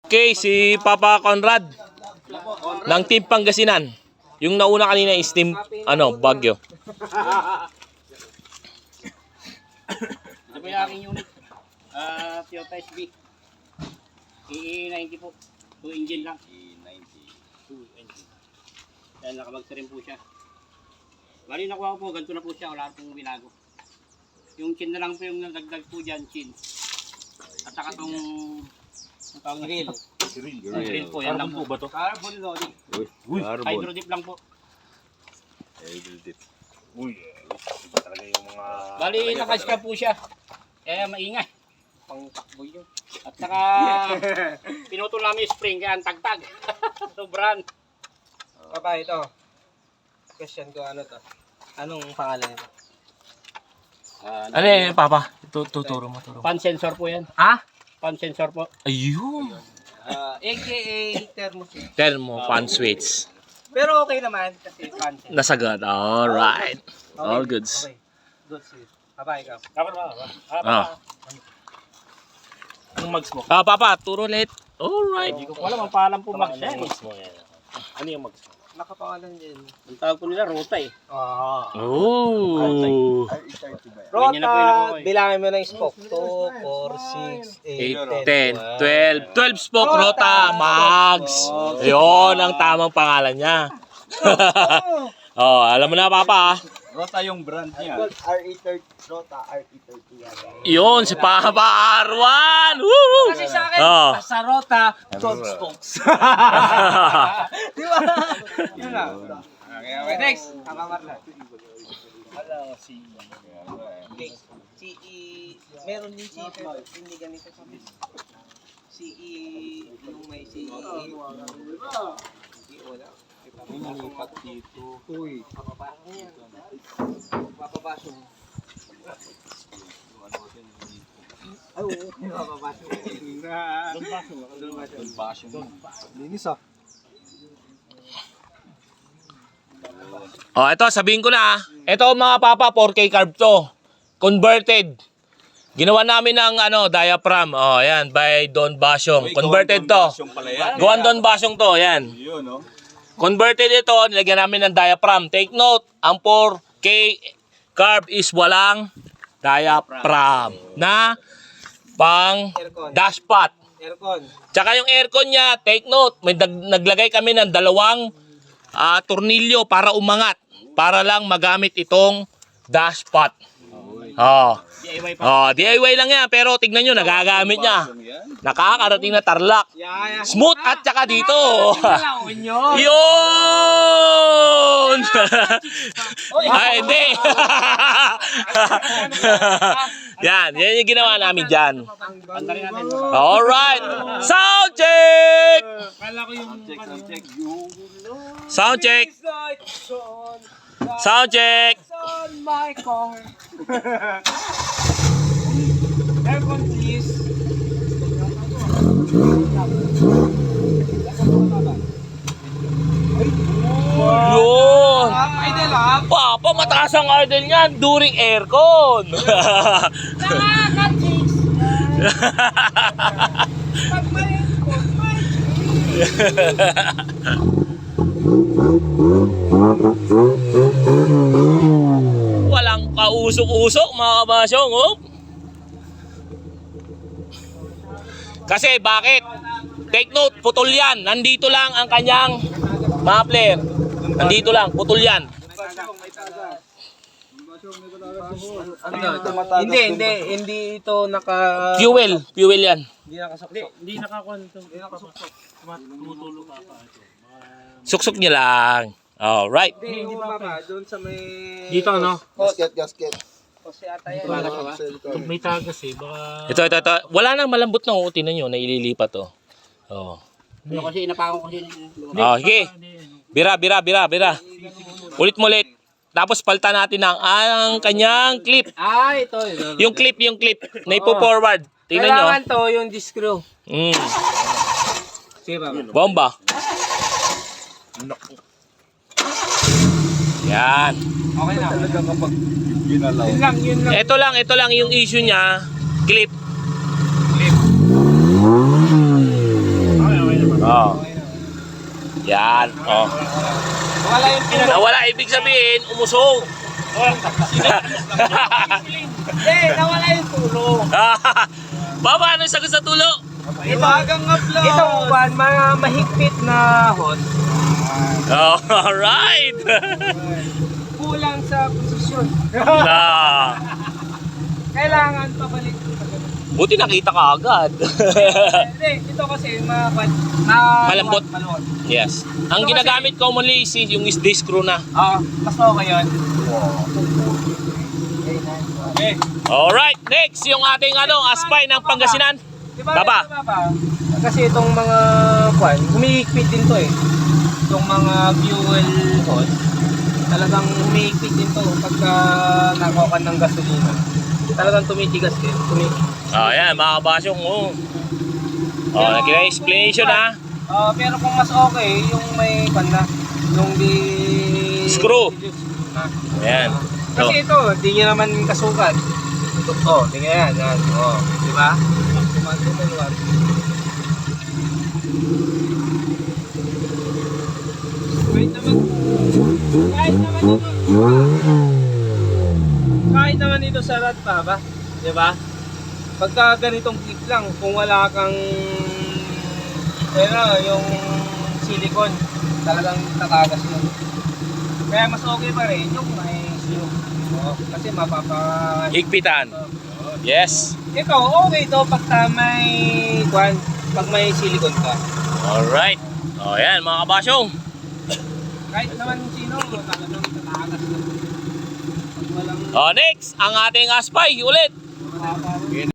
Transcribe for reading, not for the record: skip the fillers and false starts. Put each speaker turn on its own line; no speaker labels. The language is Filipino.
Okay, si Papa Conrad ng Team Pangasinan. Yung nauna kanina is Team Baguio.
Ito po yung aking unit. Toyota SB. E90 po. 2 engine lang. E90. 2 engine. Dahil nakabagsa rin po siya. Bali nakuha ko po, ganito na po siya. Wala pong binago. Yung chin na lang po yung nagdagdag po dyan, chin. At saka itong grill. Grill po, yan lang po ba ito? Carbon loading. Hydro dip lang po.
Hydro dip. Uy, iba talaga yung mga...
Bali, naka-scrap po siya. Kaya maingay. Pang-takbo yun. At saka, pinutol namin yung spring, kaya ang tagtag. Sobran.
Papa, ito. Question ko, ano to? Anong pangalan nito?
Ano yun, Papa? Tuturo mo.
Pan sensor po yan.
Ah?
Pan sensor po.
Ayun.
AKA thermos.
Thermo fan switch.
Pero okay naman kasi fan sensor.
Nasagad. Alright. All goods.
Okay. Goods. Papa, ikaw.
Anong mags mo?
Papa, turo ulit. Alright.
Wala, magpaalam po mag siya.
Ano yung mags mo?
Nakapangalan din.
Ang tawag po nila, rota eh.
Oh.
Ganyan na po yung nakuha eh.
Bilangin mo ng spoke. 2, 4, 6, 8,
8, 10, 12 spoke rota, mags. Ayun ang tamang pangalan niya. Oh, alam mo na, Papa.
Rota yung brand niya.
RE30 Rota, RE30 yan.
Yun, si Papa Arwan. Woo!
Kasi sa akin,
Oh.
sa Rota, 12 spokes. Di ba? Yun lang. Okay, next. Tama, Marla. CE, meron din CE, pero hindi ganito sabi. CE, yung may CE. Hindi, wala.
Nilipat dito.
Uy. Papapasok yan. Papapasok. Ay, oo. Papapasok. Linis ah.
Oh, ito sabihin ko na. Ito mga Papa, 4K carb to. Converted. Ginawa namin ng diaphragm. Oh, ayan, by Don Basyong. Converted to. Gawan Don Basyong to, ayan.
Yun, no?
Converted ito, nilagyan namin ng diaphragm. Take note, ang 4K carb is walang diaphragm na pang dashpot.
Aircon.
Tsaka yung aircon niya, take note, may naglagay kami ng 2 tornilyo para umangat. Para lang magamit itong dashpot. Oh.
DIY pa.
Oh, DIY lang yan, pero tignan nyo, nagagamit niya. Nakakarating na Tarlac. Smooth at tsaka dito. Yun! Ay, hindi. Yan yung ginawa namin dyan. Alright. Sound check! Sound check! Sound check!
Aircon please.
Yun!
Idle up.
Papa, mataas ang idle niyan during aircon.
Nakaka-chicks. Pag may aircon, may
Walang kausok-usok mga kabasyong. Oh. Kasi bakit? Take note, putol yan. Nandito lang ang kanyang muffler. Nandito lang, putol yan.
Hindi ito naka
Fuel yan.
hindi nakasok.
Hindi nakakonto. Hindi nakasuksok. Tumutulo pa pa.
Suksok niya lang. Alright.
Hindi pa doon sa may
Dito ano?
Gasket.
Kasi ata yan.
May tagas eh. Baka...
Ito. Wala nang malambot na utinan nyo na ililipat to. Oh.
Hindi kasi inapangon ko din.
Oh, sige. Bira. Ulit mo ulit. Tapos palta natin ang kanyang clip.
Ito.
Yung clip na ipo-forward. Tingnan nyo.
Kailangan to yung discrew. Sige ba?
Bomba. Yan.
Okay na.
Talaga kapag ginalaw.
Yun lang.
Ito lang yung issue niya. Clip. Yan. Oh.
Wala yung pinag...
Nawala, ibig sabihin, umusog.
Hindi, nawala yung tulo.
Baba, ano yung sagot sa tulo?
Ibagang upload. Itong one, mahigpit na hose.
Oh, alright.
Kulang sa posisyon. Kailangan pabalik.
Buti nakita ka agad.
Hindi, ito kasi
Malambot.
Malambot.
Yes. Ang ginagamit commonly is yung disc screw na.
Mas okay yun. Okay.
Alright, next yung ating aspay ng Pangasinan.
Diba,
Baba.
Kasi itong mga kwan, humihigpit din to eh. Itong mga fuel hose, talagang humihigpit din to pagka nakuha ka ng gasolina. Talagang tumitigas din.
Oh, yan, mga kabasyong. Oh, nag-explanation ha.
Pero kung mas okay, yung may kwan na, yung di...
Screw. Ayan.
Kasi ito, di nyo naman kasukat. Tingnan yan. Di ba? Kahit naman ito sa rad pa ba? Di ba? Pagka ganitong clip lang, kung wala kang yung silicone, talagang tatagas mo. Kaya mas okay pa rin yung may screw. Kasi
Higpitan. Yes.
Ito, okay to pagka may kwan, pag may silicone ka.
Alright. Oh, yan, mga kabasyong.
Kahit naman sino, talagang tatagas mo. Pag walang
Oh, next, ang ating aspay ulit.